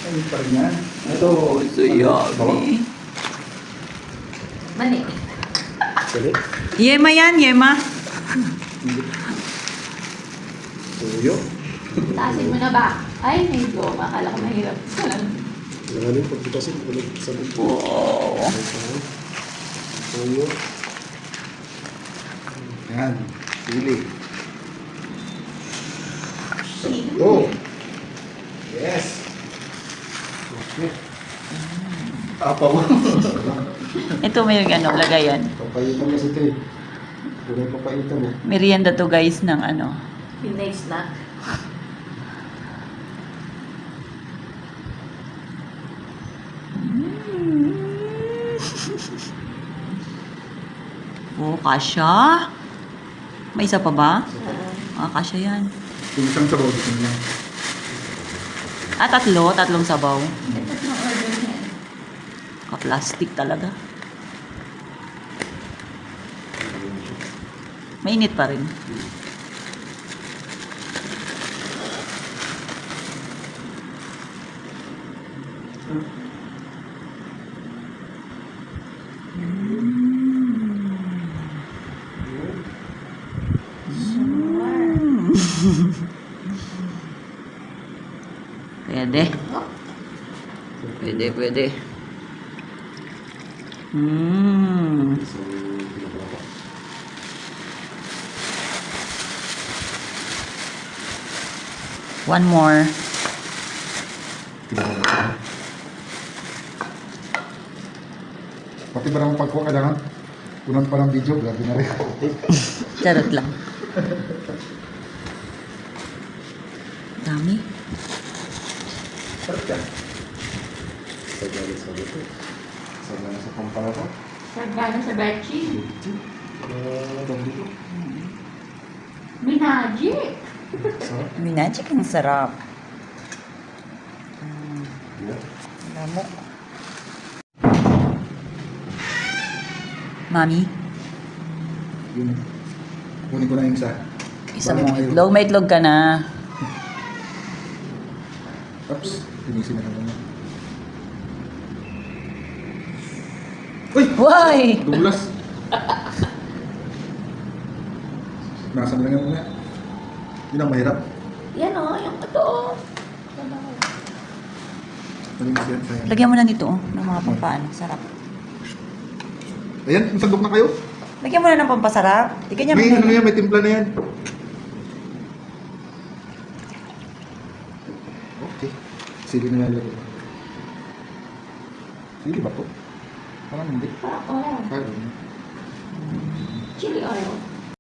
Ayun pa rin yan. Ito. Oh, so yummy. Mani. Dali. Yema yan, Yema. Tuyo. Taasin mo na ba? Ay, medyo. Akala ko mahirap. Nangalim pagkitasin. Ulit sa buko. Oh. Tuyo. Yan. Sili. Oh. Yes. Okay. Apaw. Ito may ano, lagayan. Papaitan kasi ito eh. Kulay papaitan eh. Merienda to guys ng ano. Pinay snack. Oh, kasha. May isa pa ba? Kasha yan. Yung isang sabaw dito lang. Tatlong sabaw. Ito na order niya. Ka-plastic talaga. Mainit pa rin. Pwede. Pwede. One more. Pati ba naman pagkuha kailangan? Unang pa ng video, grabe na rin. Charot lang. Dami. Sarap yan. Sagala sa buto. Sagala sa pampara ko. Sargana sa bechi. Dito. Minaji. Sarap. Minachik ang sarap. Yeah. Lamok. Mami, Yun. Kunin ko na yung isa. isa mo itlog. May itlog ka na. Oops. Tinisin na naman. Uy! Why? Douglas! Nasaan lang yan muna. Yun ang mahirap. Yan o, yung totoo. Maling siya sa'yo. Lagyan mo na nito oh, ng mga pampaan. Sarap. Ayan, masandok na kayo. Lagyan mo na ng pampasarap. Di kanya May ano yan, may timpla na yan. Okay. Sili na yan. Sili ba to? Parang hindi. Oo. Kaya Chili oil.